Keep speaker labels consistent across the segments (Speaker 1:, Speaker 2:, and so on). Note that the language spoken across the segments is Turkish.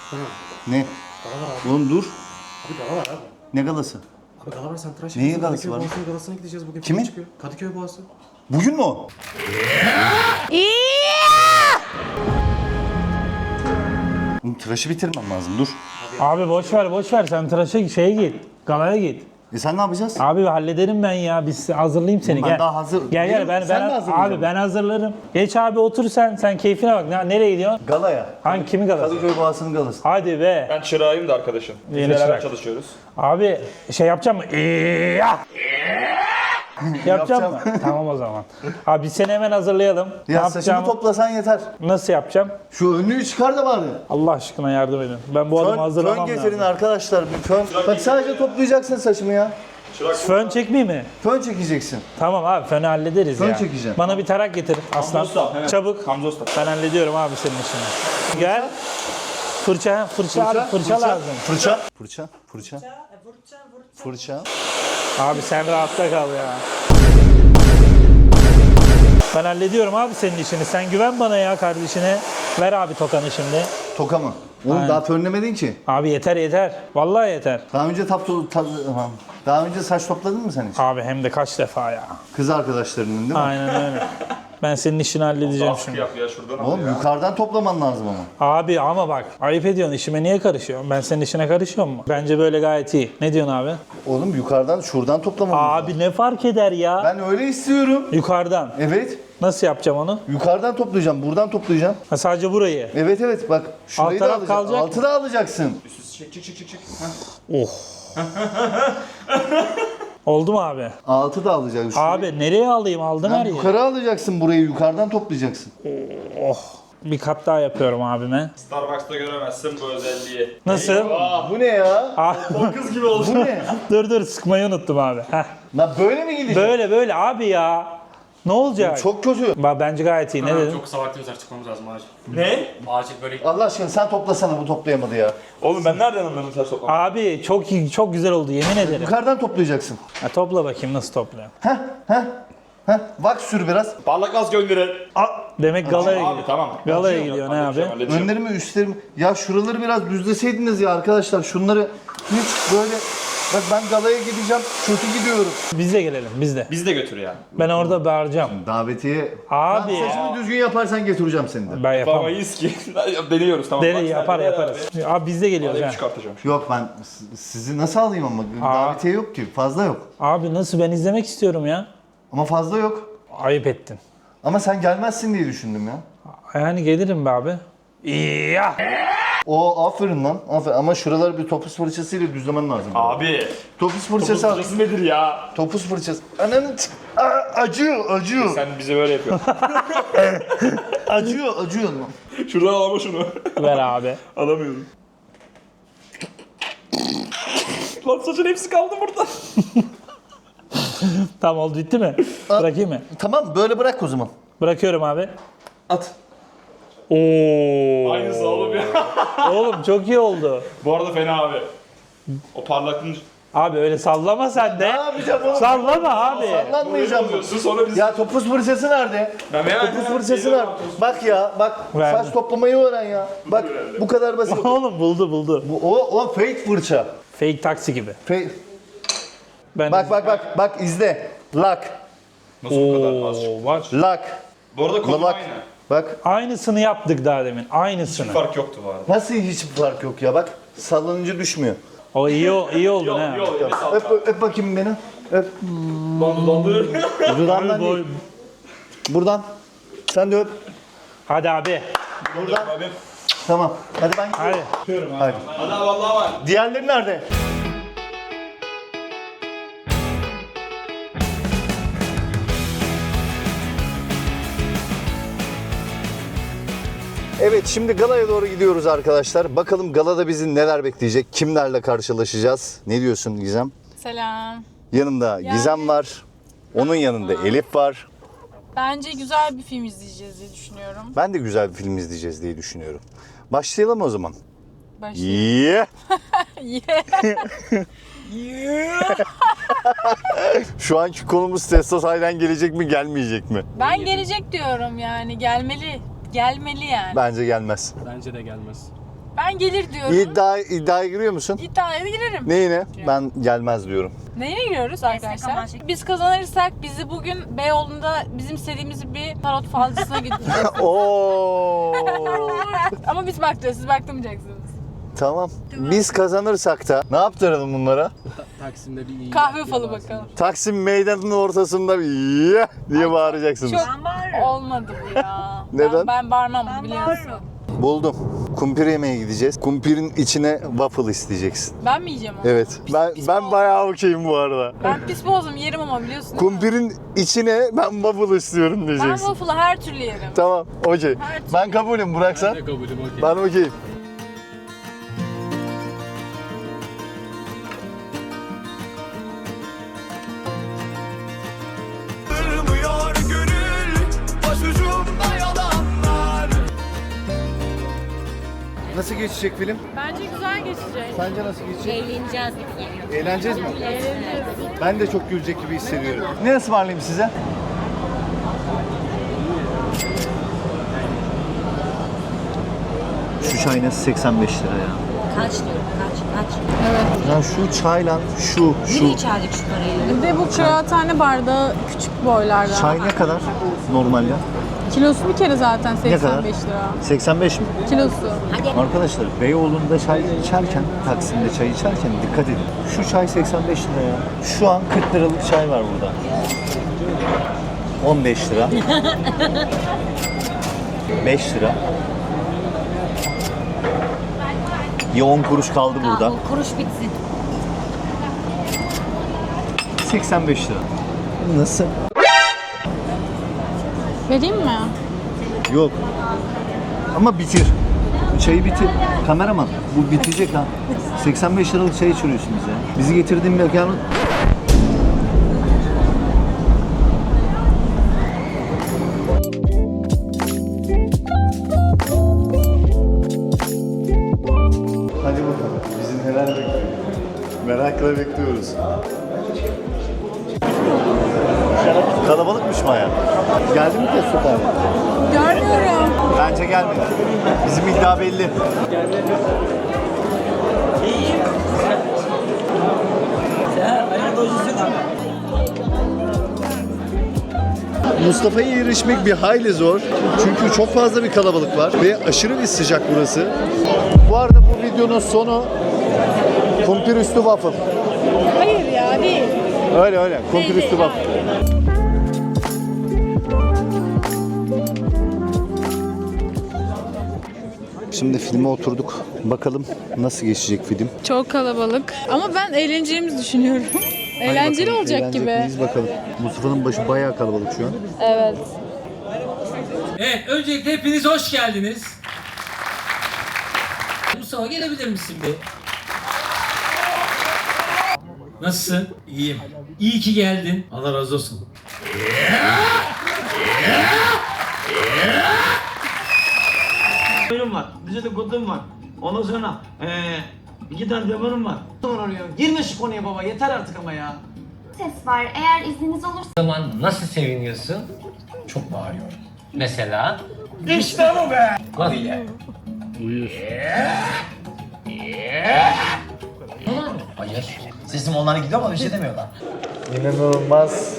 Speaker 1: Ne?
Speaker 2: Gala var abi.
Speaker 1: Oğlum dur.
Speaker 2: Abi gala var abi.
Speaker 1: Ne galası?
Speaker 2: Abi gala var, sen tıraş
Speaker 1: Neyin
Speaker 2: yapıyorsun.
Speaker 1: galası var?
Speaker 2: Kadıköy Boğazı'nın galasına gideceğiz bugün.
Speaker 1: Kimin?
Speaker 2: Çıkıyor. Kadıköy Boğazı.
Speaker 1: Bugün mü o? Oğlum tıraşı bitirmem lazım dur.
Speaker 3: Abi boş ver sen tıraşa şeye git. Galaya git.
Speaker 1: E sen ne yapacaksın?
Speaker 3: Abi hallederim ben ya. Biz hazırlayayım seni.
Speaker 1: Ben
Speaker 3: gel.
Speaker 1: daha hazır
Speaker 3: Gel
Speaker 1: değilim.
Speaker 3: ben
Speaker 1: Sen mi hazırlayacaksın?
Speaker 3: abi ben hazırlarım. Geç abi otur sen keyfine bak. Nereye gidiyorsun?
Speaker 1: Galaya.
Speaker 3: Hangi kimin galası?
Speaker 1: Kadıköy Boğazı'nın galası.
Speaker 3: Hadi be.
Speaker 4: Ben çırağıyım da arkadaşım. Biz
Speaker 3: Yeni
Speaker 4: beraber
Speaker 3: çırak.
Speaker 4: çalışıyoruz.
Speaker 3: Abi şey yapacağım mı? Yapacağım mı? Tamam o zaman. Abi biz seni hemen hazırlayalım. Ne
Speaker 1: Ya saçımı
Speaker 3: yapacağım?
Speaker 1: toplasan yeter.
Speaker 3: Nasıl yapacağım?
Speaker 1: Şu önlüğü çıkar da bari.
Speaker 3: Allah aşkına yardım edin. Ben bu adamı
Speaker 1: Fön
Speaker 3: hazırlamam
Speaker 1: getirin
Speaker 3: lazım.
Speaker 1: arkadaşlar. Bir fön. Bak sadece toplayacaksın saçımı ya.
Speaker 3: Fön çekmeyeyim mi?
Speaker 1: Fön çekeceksin.
Speaker 3: Tamam abi fönü hallederiz
Speaker 1: Fön
Speaker 3: ya.
Speaker 1: çekeceğim.
Speaker 3: Bana bir tarak getir aslan.
Speaker 4: Usta, hemen.
Speaker 3: Çabuk.
Speaker 4: Hamza Usta.
Speaker 3: Ben hallediyorum abi senin işini. Gel. Fırça abi fırça lazım.
Speaker 1: Fırça. Fırça.
Speaker 3: Abi sen rahatta kal ya. Ben hallediyorum abi senin işini. Sen güven bana ya kardeşine. Ver abi tokanı şimdi.
Speaker 1: Toka mı? Oğlum
Speaker 3: Aynen.
Speaker 1: daha fönlemedin ki.
Speaker 3: Abi yeter. Vallahi yeter.
Speaker 1: Daha önce daha önce saç topladın mı sen hiç?
Speaker 3: Abi hem de kaç defa ya.
Speaker 1: Kız arkadaşlarının değil mi?
Speaker 3: Aynen öyle. Ben senin işini halledeceğim
Speaker 4: Askı
Speaker 3: şimdi.
Speaker 4: yap ya şuradan al
Speaker 1: Oğlum
Speaker 4: ya.
Speaker 1: yukarıdan toplaman lazım ama.
Speaker 3: Abi ama bak ayıp ediyorsun, işime niye karışıyorsun? Ben senin işine karışıyor mu? Bence böyle gayet iyi. Ne diyorsun abi?
Speaker 1: Oğlum yukarıdan şuradan toplaman lazım.
Speaker 3: Abi ne fark eder ya?
Speaker 1: Ben öyle istiyorum.
Speaker 3: Yukarıdan.
Speaker 1: Evet.
Speaker 3: Nasıl yapacağım onu?
Speaker 1: Yukarıdan toplayacağım. Buradan toplayacağım.
Speaker 3: Ha, sadece burayı.
Speaker 1: Evet bak. Şurayı
Speaker 3: Alt
Speaker 1: da
Speaker 3: taraf
Speaker 1: alacaksın.
Speaker 3: kalacak.
Speaker 1: Altı da alacaksın.
Speaker 4: Çık.
Speaker 3: Oh. Oldu mu abi?
Speaker 1: Altı da alacaksın. Şurayı-
Speaker 3: Abi nereye alayım? Aldın her
Speaker 1: Lan
Speaker 3: yeri.
Speaker 1: yukarı alacaksın burayı. Yukarıdan toplayacaksın.
Speaker 3: Oh. Bir kat daha yapıyorum abime.
Speaker 4: Starbucks'ta göremezsin bu özelliği.
Speaker 3: Nasıl?
Speaker 1: Bu ne ya?
Speaker 3: Abi,
Speaker 4: O kız gibi oldu.
Speaker 1: Bu ne?
Speaker 3: dur sıkmayı unuttum abi. Heh.
Speaker 1: Lan böyle mi gidecek?
Speaker 3: Böyle abi ya. Ne olacak?
Speaker 1: Çok kötü.
Speaker 3: Bence gayet iyi. Ne dedin?
Speaker 2: Çok kısa vaktimiz var, çıkmamız lazım acil.
Speaker 4: Ne?
Speaker 2: Acil böyle
Speaker 1: Allah aşkına sen toplasana, bu toplayamadı ya.
Speaker 4: Oğlum ben nereden anladım saç toplamayı?
Speaker 3: Abi çok iyi, çok güzel oldu yemin ederim.
Speaker 1: Yukarıdan toplayacaksın.
Speaker 3: Ha, topla bakayım nasıl topluyorum.
Speaker 1: Vaks sür biraz.
Speaker 4: Parlak az gönderin.
Speaker 3: Demek galaya
Speaker 4: Abi
Speaker 3: gidiyor.
Speaker 4: tamam.
Speaker 3: Galaya
Speaker 4: Halledeceğim,
Speaker 3: gidiyor ne abi?
Speaker 4: halledeceğim.
Speaker 1: Önlerimi üstlerimi. Ya şuraları biraz düzleseydiniz ya arkadaşlar. Şunları hiç böyle. Bak ben galaya gideceğim. Kötü gidiyorum.
Speaker 3: Biz de gelelim biz de.
Speaker 4: Bizi de götür ya.
Speaker 3: Ben orada bağıracağım.
Speaker 1: Davetiye.
Speaker 3: Abi.
Speaker 1: Lan saçını düzgün yaparsan getireceğim seni de.
Speaker 3: Ben yapamam.
Speaker 4: Yapamayız ki. Deniyoruz tamam.
Speaker 3: Deri
Speaker 4: Bak,
Speaker 3: yapar
Speaker 4: sen de
Speaker 3: yaparız. Abi biz de geliyoruz
Speaker 4: Abi
Speaker 3: ha.
Speaker 4: çıkartacağım.
Speaker 1: Yok ben sizi nasıl alayım ama? Davetiye yok ki. Fazla yok.
Speaker 3: Abi nasıl ben izlemek istiyorum ya.
Speaker 1: Ama fazla yok.
Speaker 3: Ayıp ettin.
Speaker 1: Ama sen gelmezsin diye düşündüm ya.
Speaker 3: Yani gelirim be abi. Ya.
Speaker 1: O aferin lan. Aferin. Ama şuraları bir topuz fırçasıyla düzlemen lazım.
Speaker 4: Abi.
Speaker 1: Topuz fırçası al.
Speaker 4: Topuz nedir ya?
Speaker 1: Topuz fırçası. Ananı acıyor.
Speaker 4: Sen bize böyle yapıyorsun.
Speaker 1: Acıyor lan.
Speaker 4: Şuradan al ama şunu.
Speaker 3: Ver abi.
Speaker 4: Alamıyorum. Lan saçın hepsi kaldı burada.
Speaker 3: Tamam oldu bitti mi? Bırakayım mı?
Speaker 1: Tamam böyle bırak o zaman.
Speaker 3: Bırakıyorum abi.
Speaker 4: At.
Speaker 3: Oo.
Speaker 4: Aynısı oğlum ya.
Speaker 3: Oğlum çok iyi oldu.
Speaker 4: Bu arada fena abi. O parlaklığın...
Speaker 3: Abi öyle sallama sen de.
Speaker 1: Ne yapacağım oğlum?
Speaker 3: Sallama abi.
Speaker 1: Sallanmayacağım.
Speaker 4: Oluyorsun sonra biz...
Speaker 1: Ya topuz fırçası nerede? Topuz fırçası nerede? Bak ya bak.
Speaker 3: Verdim.
Speaker 1: Saç toplamayı öğren ya. Bak bu kadar basit.
Speaker 3: Oğlum buldu.
Speaker 1: O fake fırça.
Speaker 3: Fake taksi gibi. Ben
Speaker 1: Bak izle. Lock.
Speaker 4: Nasıl bu kadar az?
Speaker 3: var.
Speaker 1: Lock.
Speaker 4: Bu arada konu
Speaker 1: Lock.
Speaker 4: aynı.
Speaker 1: Bak.
Speaker 3: Aynısını yaptık daha demin. Aynısını.
Speaker 4: Fark yoktu bu arada.
Speaker 1: Nasıl hiç fark yok ya bak. Sallanınca düşmüyor.
Speaker 3: O iyi oldu ha.
Speaker 1: Öp bakayım beni. Öp.
Speaker 4: Dondu.
Speaker 1: Dudağından
Speaker 3: Boy-
Speaker 1: değil. Buradan. Sen de öp.
Speaker 3: Hadi abi.
Speaker 1: Buradan. Tamam. Hadi ben gidiyorum.
Speaker 3: Hadi.
Speaker 1: Hadi.
Speaker 4: Ana vallahi var.
Speaker 1: Diğerleri nerede? Evet şimdi galaya doğru gidiyoruz arkadaşlar. Bakalım galada bizi neler bekleyecek? Kimlerle karşılaşacağız? Ne diyorsun Gizem?
Speaker 5: Selam.
Speaker 1: Yanımda Gizem var. Onun yanında Elif var.
Speaker 5: Bence güzel bir film izleyeceğiz diye düşünüyorum.
Speaker 1: Ben de güzel bir film izleyeceğiz diye düşünüyorum. Başlayalım o zaman.
Speaker 5: Başlayalım.
Speaker 1: Şu anki konumuz Testo sahiden gelecek mi gelmeyecek mi?
Speaker 5: Ben gelecek diyorum yani. Gelmeli. Gelmeli yani.
Speaker 1: Bence gelmez.
Speaker 2: Bence de gelmez.
Speaker 5: Ben gelir diyorum.
Speaker 1: İddiaya giriyor musun?
Speaker 5: İddiaya da girerim.
Speaker 1: Neyine? Ben gelmez diyorum.
Speaker 5: Neyine giriyoruz arkadaşlar? Biz kazanırsak bizi bugün Beyoğlu'nda bizim istediğimiz bir tarot falcısına gideceğiz.
Speaker 1: Oo.
Speaker 5: Ama biz bakacağız, siz baktırmayacaksınız.
Speaker 1: Tamam. Biz kazanırsak da ne yaptıralım bunlara?
Speaker 2: Taksim'de bir iyi.
Speaker 5: Kahve falı bakalım.
Speaker 1: Taksim meydanının ortasında bir "Yeah!" diye bağıracaksınız.
Speaker 5: Çok olmadı bu ya.
Speaker 1: Neden?
Speaker 5: Ben bağırmam bunu biliyorsun.
Speaker 1: Buldum. Kumpir yemeye gideceğiz. Kumpirin içine waffle isteyeceksin.
Speaker 5: Ben mi yiyeceğim onu?
Speaker 1: Evet. Ben bayağı okeyim bu arada.
Speaker 5: Ben pis boğazım yerim ama biliyorsun.
Speaker 1: Kumpirin içine ben waffle istiyorum
Speaker 5: Ben
Speaker 1: diyeceksin.
Speaker 5: waffle'ı her türlü yerim.
Speaker 1: Tamam, okey.
Speaker 5: Her türlü.
Speaker 1: Ben kabulüm, Burak sen?
Speaker 2: Kabulüm okey.
Speaker 1: Ben okeyim. Nasıl geçecek film?
Speaker 5: Bence güzel geçecek.
Speaker 1: Sence nasıl geçecek?
Speaker 6: Eğleneceğiz.
Speaker 1: Eğleneceğiz mi?
Speaker 5: Eğleneceğiz.
Speaker 1: Ben de çok gülecek gibi hissediyorum. Ne ısmarlayayım size? Şu çay nasıl 85 lira ya?
Speaker 6: Kaç diyorum kaç.
Speaker 1: Ya şu çayla şu.
Speaker 6: Nereye içerdik şu parayı?
Speaker 5: Bir de bu kıraathane bardağı küçük boylarda.
Speaker 1: Çay ne kadar normal ya?
Speaker 5: Kilosu bir kere zaten
Speaker 1: Ne kadar?
Speaker 5: 85 lira.
Speaker 1: 85 mi?
Speaker 5: Kilosu.
Speaker 1: Arkadaşlar Beyoğlu'nda çay içerken, Taksim'de çay içerken dikkat edin. Şu çay 85 lira ya. Şu an 40 liralık çay var burada. 15 lira. 5 lira. Ya 10 kuruş kaldı burada.
Speaker 6: O kuruş bitsin.
Speaker 1: 85 lira. Nasıl?
Speaker 5: Vereyim mi?
Speaker 1: Yok. Ama bitir. Çayı bitir. Kameraman bu bitecek ha. 85 liralık çay içiriyorsunuz ya. Bizi getirdiğin mekanın... Hadi bakalım. Bizi neler bekliyor? Merakla bekliyoruz. Kalabalıkmış baya. Geldi mi test tutar?
Speaker 5: Görmüyorum.
Speaker 1: Bence gelmedi. Bizim iddia belli. Mustafa'ya erişmek bir hayli zor. Çünkü çok fazla bir kalabalık var ve aşırı bir sıcak burası. Bu arada bu videonun sonu kumpir üstü waffle.
Speaker 5: Hayır ya değil.
Speaker 1: Öyle. Kumpir üstü waffle. Şimdi filme oturduk. Bakalım nasıl geçecek film.
Speaker 5: Çok kalabalık. Ama ben eğleneceğimizi düşünüyorum. Eğlenceli
Speaker 1: Bakalım,
Speaker 5: olacak
Speaker 1: eğlenecek
Speaker 5: gibi.
Speaker 1: miyiz bakalım. Mustafa'nın başı bayağı kalabalık şu an.
Speaker 5: Evet.
Speaker 7: Evet, öncelikle hepiniz hoş geldiniz. Mustafa gelebilir misin bir? Nasılsın? İyiyim. İyi ki geldin. Allah razı olsun.
Speaker 8: Benim var. Bize de kodum var. Ondan sonra 2 tane demonum var. Sonra arıyor. Girme şu konuya baba. Yeter artık ama ya.
Speaker 9: Ses var. Eğer izniniz olursa
Speaker 7: Zaman nasıl seviniyorsun? Çok bağırıyorum. Mesela?
Speaker 8: İşte bu be.
Speaker 7: Nasıl? Hayır.
Speaker 8: Sesim onlara gidiyor ama bir şey demiyorlar.
Speaker 1: İnanılmaz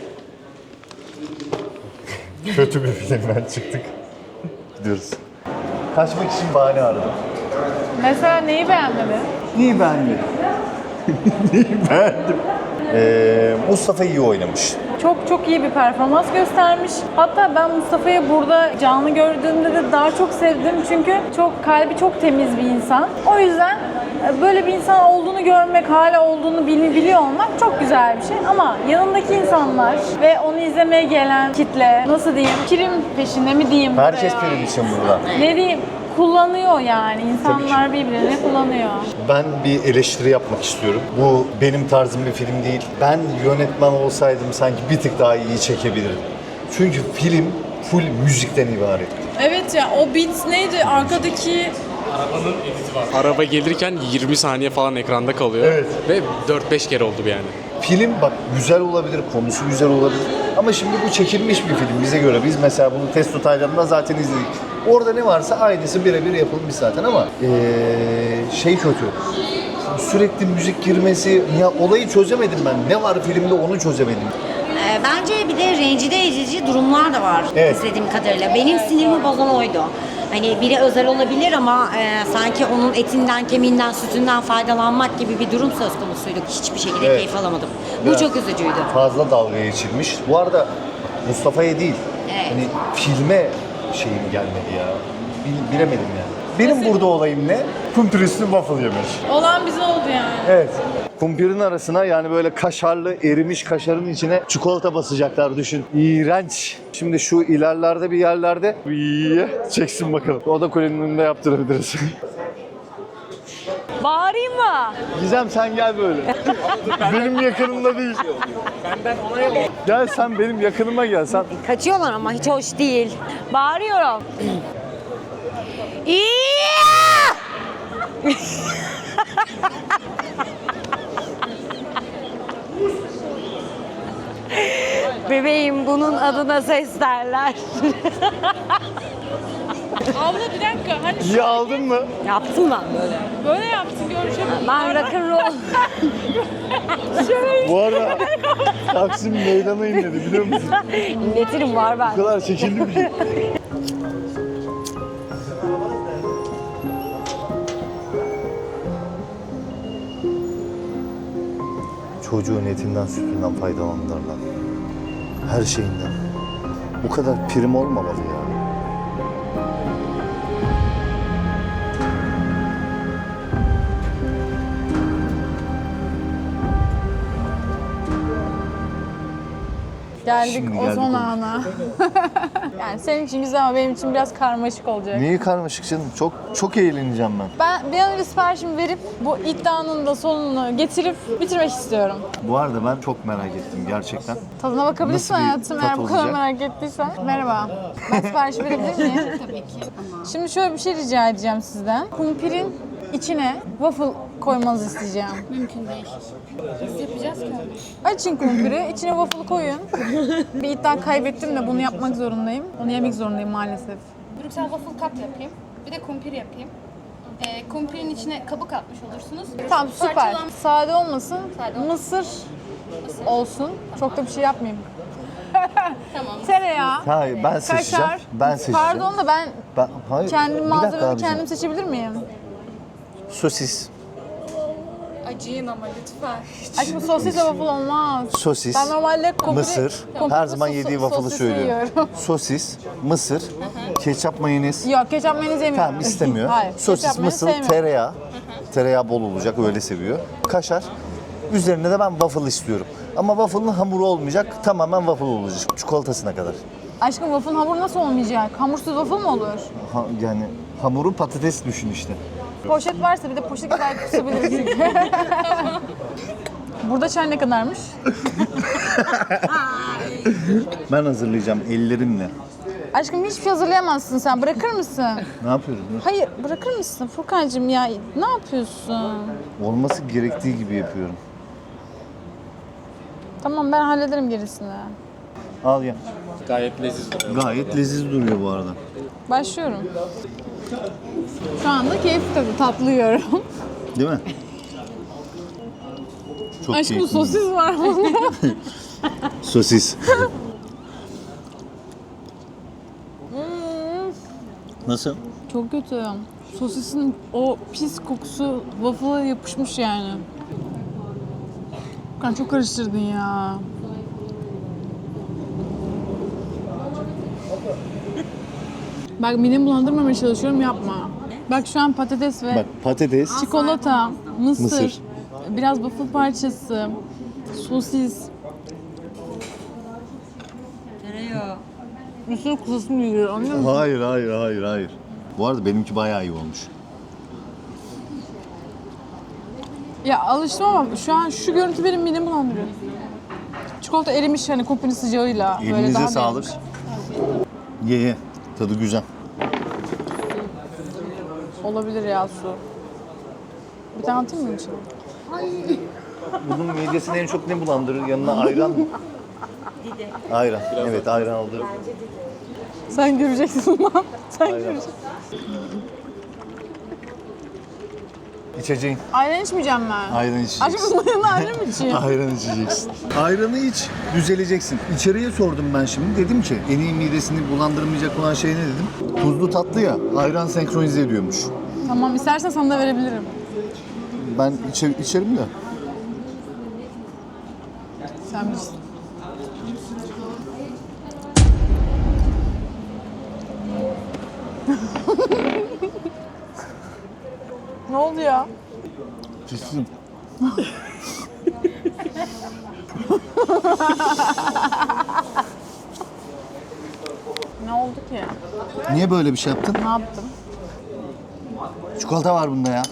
Speaker 1: kötü bir filmden çıktık. Gidiyoruz. Kaçmak için bahane aradım.
Speaker 5: Mesela neyi beğenmedin?
Speaker 1: Neyi beğendim? Neyi beğendim? Mustafa iyi oynamış.
Speaker 5: Çok iyi bir performans göstermiş. Hatta ben Mustafa'yı burada canlı gördüğümde de daha çok sevdim. Çünkü kalbi çok temiz bir insan. O yüzden böyle bir insan olduğunu görmek, hala olduğunu biliyor olmak çok güzel bir şey. Ama yanındaki insanlar ve onu izlemeye gelen kitle, nasıl diyeyim, prim peşinde mi diyeyim?
Speaker 1: Herkes
Speaker 5: veya
Speaker 1: benim için burada.
Speaker 5: ne diyeyim, kullanıyor yani. İnsanlar birbirini kullanıyor.
Speaker 1: Ben bir eleştiri yapmak istiyorum. Bu benim tarzım bir film değil. Ben yönetmen olsaydım sanki bir tık daha iyi çekebilirdim. Çünkü film full müzikten ibaret.
Speaker 5: Evet ya, o beat neydi? Arkadaki
Speaker 2: Arabanın editi var. Araba gelirken 20 saniye falan ekranda kalıyor.
Speaker 1: Evet.
Speaker 2: Ve 4-5 kere oldu bu yani.
Speaker 1: Film bak güzel olabilir, konusu güzel olabilir. Ama şimdi bu çekilmiş bir film bize göre. Biz mesela bunu Testo Taylan'da zaten izledik. Orada ne varsa aynısı birebir yapılmış zaten ama şey kötü. Sürekli müzik girmesi, ya olayı çözemedim ben. Ne var filmde onu çözemedim.
Speaker 6: Bence bir de rencide edici durumlar da var
Speaker 1: Evet.
Speaker 6: izlediğim kadarıyla. Benim sinirimi bozan oydu. Hani biri özel olabilir ama sanki onun etinden, kemiğinden, sütünden faydalanmak gibi bir durum söz konusuydu. Hiçbir şekilde
Speaker 1: Evet.
Speaker 6: keyif alamadım. Bu
Speaker 1: Biraz
Speaker 6: çok üzücüydü.
Speaker 1: Fazla dalga geçilmiş. Bu arada Mustafa'ya değil,
Speaker 6: Evet.
Speaker 1: hani filme şeyim gelmedi ya. Bilemedim yani. Benim burada olayım ne? Kumpir üstü waffle yemek.
Speaker 5: Olan bize oldu yani.
Speaker 1: Evet. Kumpirin arasına yani böyle kaşarlı, erimiş kaşarın içine çikolata basacaklar düşün. İğrenç. Şimdi şu ilerlerde bir yerlerde çeksin bakalım. O da kulenin önünde yaptırabiliriz.
Speaker 5: Bağırayım mı?
Speaker 1: Gizem sen gel böyle. Benim yakınımda değil. Gel sen benim yakınıma gel sen.
Speaker 6: Kaçıyorlar ama hiç hoş değil.
Speaker 5: Bağırıyorum.
Speaker 6: Bebeğim bunun adına ses derler.
Speaker 5: Abla bir dakika. Hani
Speaker 1: İyi aldın mı?
Speaker 6: Yaptım ben böyle.
Speaker 5: böyle yaptın görüşelim.
Speaker 6: Ben rock'n'roll.
Speaker 1: Bu arada Taksim meydana inledi biliyor musun?
Speaker 6: İlletirim var ben.
Speaker 1: Bu kadar çekildi bir şey. Çocuğun etinden sütünden faydalanırlar. Her şeyinden. Bu kadar prim olmamalı ya.
Speaker 5: Geldik
Speaker 1: Şimdi
Speaker 5: o
Speaker 1: geldik
Speaker 5: son
Speaker 1: o.
Speaker 5: ana. Yani senin için güzel ama benim için biraz karmaşık olacak.
Speaker 1: Niye karmaşık canım? Çok eğleneceğim ben.
Speaker 5: Ben bir an önce siparişimi verip bu iddianın da sonunu getirip bitirmek istiyorum.
Speaker 1: Bu arada ben çok merak ettim gerçekten.
Speaker 5: Tadına bakabilirsin
Speaker 1: Nasıl bir
Speaker 5: hayatım
Speaker 1: tat
Speaker 5: eğer bu kadar
Speaker 1: olacak?
Speaker 5: merak ettiysen. Merhaba. Ben sipariş verebilir miyim? Tabii ki. Şimdi şöyle bir şey rica edeceğim sizden. Kumpirin içine waffle koymanızı isteyeceğim.
Speaker 9: Mümkün değil. Biz yapacağız ki.
Speaker 5: Açın kumpiri, içine waffle koyun. Bir iddia kaybettim de bunu yapmak zorundayım. Onu yemek zorundayım maalesef.
Speaker 9: Brüksel waffle cup yapayım. Bir de kumpir yapayım. Kumpirin içine kabuk atmış olursunuz.
Speaker 5: Tamam süper.
Speaker 9: Parçalan-
Speaker 5: Sade olmasın,
Speaker 9: Sade olmasın.
Speaker 5: mısır olsun. Çok da bir şey yapmayayım.
Speaker 9: Tamam.
Speaker 5: Tereyağı,
Speaker 1: Hayır ben seçeceğim.
Speaker 5: kaşar.
Speaker 1: Ben seçeceğim.
Speaker 5: Pardon da ben
Speaker 1: Hayır.
Speaker 5: kendim
Speaker 1: bir dakika
Speaker 5: malzememi
Speaker 1: abicim.
Speaker 5: kendim seçebilir miyim?
Speaker 1: Sosis.
Speaker 9: Acıyın ama lütfen.
Speaker 5: Aşkım sosis waffle olmaz.
Speaker 1: Sosis,
Speaker 5: Ben normalde kumpiri,
Speaker 1: mısır, her zaman yediği waffle'ı
Speaker 5: sosisi
Speaker 1: söylüyorum.
Speaker 5: yiyorum.
Speaker 1: Sosis, mısır, ketçap, mayonez.
Speaker 5: Yok ketçap mayonez yemiyorum.
Speaker 1: Tamam istemiyor.
Speaker 5: Hayır.
Speaker 1: Sosis,
Speaker 5: ketçap mayonez
Speaker 1: mısır,
Speaker 5: sevmiyorum.
Speaker 1: tereyağı. Tereyağı bol olacak öyle seviyor. Kaşar. Üzerine de ben waffle istiyorum. Ama waffle'ın hamuru olmayacak. Tamamen waffle olacak. Çikolatasına kadar.
Speaker 5: Aşkım waffle'ın hamuru nasıl olmayacak? Hamursuz waffle mı olur?
Speaker 1: Yani hamuru patates düşün işte.
Speaker 5: Poşet varsa bir de poşet kadar kusabiliriz çünkü. Burada çay ne kadarmış?
Speaker 1: Ben hazırlayacağım ellerimle.
Speaker 5: Aşkım hiçbir şey hazırlayamazsın sen. Bırakır mısın?
Speaker 1: Ne yapıyoruz?
Speaker 5: Hayır bırakır mısın Furkancığım ya? Ne yapıyorsun?
Speaker 1: Olması gerektiği gibi yapıyorum.
Speaker 5: Tamam ben hallederim gerisini.
Speaker 1: Al ya.
Speaker 2: Gayet leziz duruyor.
Speaker 1: Gayet leziz duruyor bu arada.
Speaker 5: Başlıyorum. Şu anda keyifli tabii tatlı yiyorum.
Speaker 1: Değil mi? Çok
Speaker 5: Aşkım
Speaker 1: keyifli.
Speaker 5: sosis var bunda.
Speaker 1: Sosis. Nasıl?
Speaker 5: Çok kötü. Sosisin o pis kokusu waffle'a yapışmış yani. Furkan çok karıştırdın ya. Bak midemi bulandırmamaya çalışıyorum yapma. Bak şu an patates ve
Speaker 1: Bak patates,
Speaker 5: çikolata, mısır,
Speaker 1: Mısır.
Speaker 5: biraz waffle parçası, sosis.
Speaker 6: Tereyağı.
Speaker 5: Mısır kuzusu mu yiyor anlıyor musun?
Speaker 1: Hayır. Bu arada benimki bayağı iyi olmuş.
Speaker 5: Ya alıştım ama şu an şu görüntü benim midemi bulandırıyor. Çikolata erimiş hani kumpinin sıcağıyla. böyle
Speaker 1: Elinize
Speaker 5: daha
Speaker 1: sağlık.
Speaker 5: beğenmiş.
Speaker 1: Ye. Tadı güzel.
Speaker 5: Olabilir ya su. Bir tane atayım mı içine?
Speaker 1: Bunun midesini en çok ne bulandırır? Yanına ayran mı? Ayran. Evet ayran aldı.
Speaker 5: Sen göreceksin lan. Sen göreceksin.
Speaker 1: İçeceğin.
Speaker 5: Ayran içmeyeceğim ben.
Speaker 1: Ayran içeceksin.
Speaker 5: Aşkım bunun yanına ayran mı içeyim?
Speaker 1: Ayran içeceksin. Ayranı iç, düzeleceksin. İçeriye sordum ben şimdi. Dedim ki en iyi midesini bulandırmayacak olan şey ne dedim? Tuzlu tatlı ya, ayran senkronize ediyormuş.
Speaker 5: Tamam istersen sana da verebilirim.
Speaker 1: Ben içerim de.
Speaker 5: Sen bilirsin. Ne oldu ya?
Speaker 1: Pissin.
Speaker 5: Ne oldu ki?
Speaker 1: Niye böyle bir şey yaptın?
Speaker 5: Ne yaptım?
Speaker 1: Çikolata var bunda ya.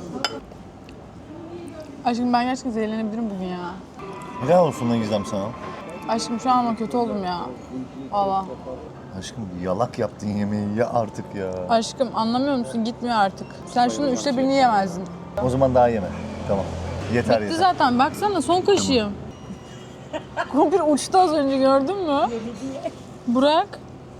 Speaker 5: Aşkım ben gerçekten zehirlenebilirim bugün ya.
Speaker 1: Helal olsun lan Gizem sana.
Speaker 5: Aşkım şu an ama kötü oldum ya. Valla.
Speaker 1: Aşkım yalak yaptın yemeği ya artık ya.
Speaker 5: Aşkım anlamıyor musun? Gitmiyor artık. Sen şunun 1/3'ünü yemezdin.
Speaker 1: O zaman daha yeme. Tamam. Yeter
Speaker 5: Bitti
Speaker 1: yeter.
Speaker 5: zaten. Baksana son kaşığım. Kumpir uçtu az önce gördün mü? Bırak.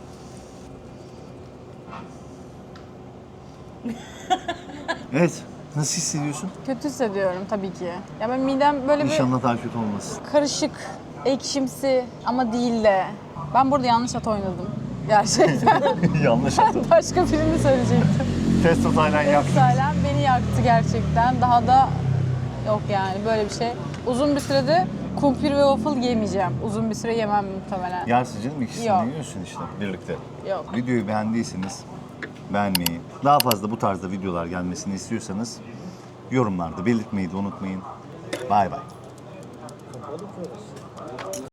Speaker 1: Evet. Nasıl hissediyorsun?
Speaker 5: Kötü hissediyorum tabii ki. Ya ben midem böyle bir
Speaker 1: İnşallah daha kötü olmaz.
Speaker 5: karışık, ekşimsi ama değil de. Ben burada yanlış at oynadım. Gerçekten.
Speaker 1: Yanlış yaptım.
Speaker 5: Başka birini söyleyecektim.
Speaker 1: Testo Taylan yaktı.
Speaker 5: Salen beni yaktı gerçekten. Daha da yok yani böyle bir şey. Uzun bir sürede kumpir ve waffle yemeyeceğim. Uzun bir süre yemem muhtemelen.
Speaker 1: Yersin canım ikisini
Speaker 5: Yok.
Speaker 1: yiyorsun işte birlikte.
Speaker 5: Yok.
Speaker 1: Videoyu beğendiyseniz beğenmeyi, daha fazla bu tarzda videolar gelmesini istiyorsanız yorumlarda belirtmeyi de unutmayın. Bay bay.